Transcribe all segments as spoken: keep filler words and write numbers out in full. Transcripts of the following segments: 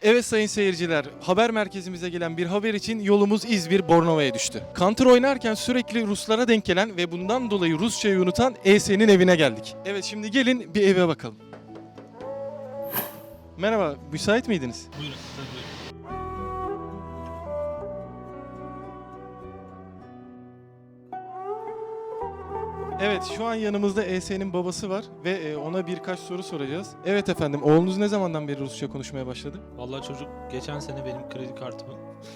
Evet sayın seyirciler, haber merkezimize gelen bir haber için yolumuz İzmir Bornova'ya düştü. Counter oynarken sürekli Ruslara denk gelen ve bundan dolayı Rusçayı unutan E S'nin evine geldik. Evet şimdi gelin bir eve bakalım. Merhaba, müsait miydiniz? Buyurun tabii. Evet, şu an yanımızda E S'nin babası var ve e, ona birkaç soru soracağız. Evet efendim, oğlunuz ne zamandan beri Rusça konuşmaya başladı? Vallahi çocuk geçen sene benim kredi kartımı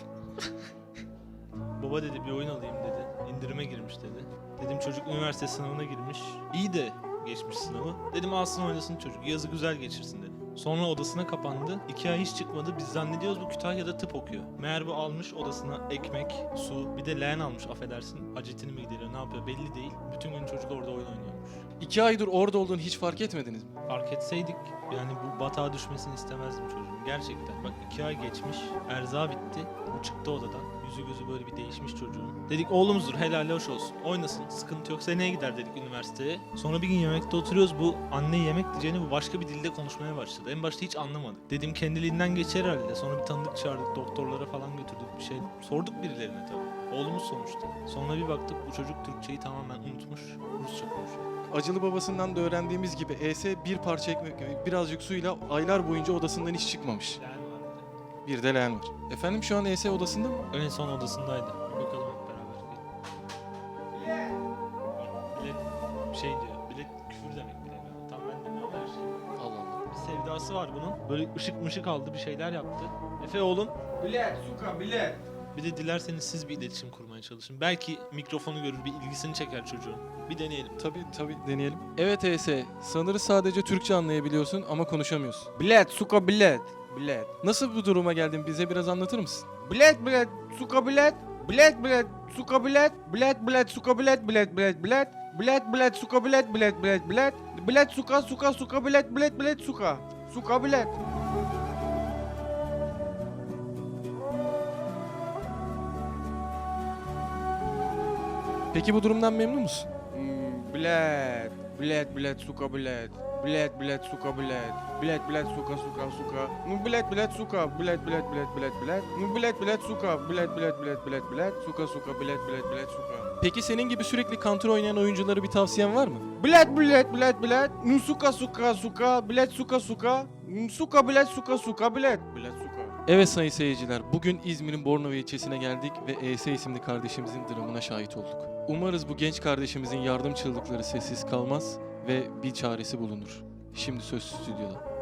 baba dedi bir oyun alayım dedi. İndirime girmiş dedi. Dedim çocuk üniversite sınavına girmiş. İyi de geçmiş sınavı. Dedim alsın oynasın çocuk. Yazı güzel geçirsin dedim. Sonra odasına kapandı. İki ay hiç çıkmadı. Biz zannediyoruz bu Kütahya'da tıp okuyor. Meğer bu almış odasına ekmek, su, bir de leğen almış affedersin. Hacetini mi gideriyor ne yapıyor belli değil. Bütün gün çocuk orada oyun oynuyormuş. İki aydır orada olduğunu hiç fark etmediniz mi? Fark etseydik yani bu batağa düşmesini istemezdim çocuğun. Gerçekten bak iki ay geçmiş, erza bitti, bu çıktı odadan. Yüzü gözü böyle bir değişmiş çocuğun. Dedik oğlumuzdur helal hoş olsun. Oynasın sıkıntı yok seneye gider dedik üniversiteye. Sonra bir gün yemekte oturuyoruz bu anne yemek diyeceğini bu başka bir dilde konuşmaya başladı. En başta hiç anlamadık. Dedim kendiliğinden geçer herhalde. Sonra bir tanıdık çağırdık doktorlara falan götürdük bir şey. Sorduk birilerine tabii. Oğlumuz sonuçta. Sonra bir baktık bu çocuk Türkçeyi tamamen unutmuş. Rusça konuşuyor. Acılı babasından da öğrendiğimiz gibi E S bir parça ekmek ve birazcık suyla aylar boyunca odasından hiç çıkmamış. Yani var Bir de leğen var. Efendim şu an E S odasında mı? bir de. En son odasındaydı. Bir bakalım hep beraber. Bilet. Bilet şey diyor. Bilet küfür demek bile. Tam ben de ne haber? Allah Allah. Bir sevdası var bunun. Böyle ışık mışık aldı bir şeyler yaptı. Efe oğlum. Bilet, suka, bilet. Bir de dilerseniz siz bir iletişim kurmaya çalışın. Belki mikrofonu görür, bir ilgisini çeker çocuğun. Bir deneyelim. Tabii tabii deneyelim. Evet E S, sanırım sadece Türkçe anlayabiliyorsun ama konuşamıyorsun. Bilet, suka, bilet. Bilet. Nasıl bu duruma geldin bize biraz anlatır mısın? Bilet, bilet, suka, bilet. Bilet, bilet, suka, bilet. Bilet, bilet, suka, bilet. Bilet, bilet, bilet. Bilet, bilet, suka, bilet. Bilet, bilet, bilet. Bilet, suka, suka, suka, bilet. Bilet, bilet, suka. Suka, bilet. Peki bu durumdan memnun musun? Hmm, bilet. Bilet, bilet, suka, bilet. Bilet, bilet, suka, bilet. Bilet, bilet, suka, suka, suka. Hmm, Bilet, bilet, suka. Bilet, bilet, bilet, bilet, bilet. Hmm, Bilet, bilet, suka. Bilet, bilet, bilet, bilet, bilet. Suka, suka, bilet, bilet, bilet, suka. Peki senin gibi sürekli Counter oynayan oyunculara bir tavsiyen var mı? Bilet, bilet, bilet, bilet. Hmm, Suka, suka, suka. Bilet, suka, suka. Hmm, Suka, bilet, suka, suka, bilet. Bilet, suka. Evet sayın seyirciler, bugün İzmir'in Bornova ilçesine geldik ve E S isimli kardeşimizin dramına şahit olduk. Umarız bu genç kardeşimizin yardım çığlıkları sessiz kalmaz ve bir çaresi bulunur. Şimdi söz stüdyoda.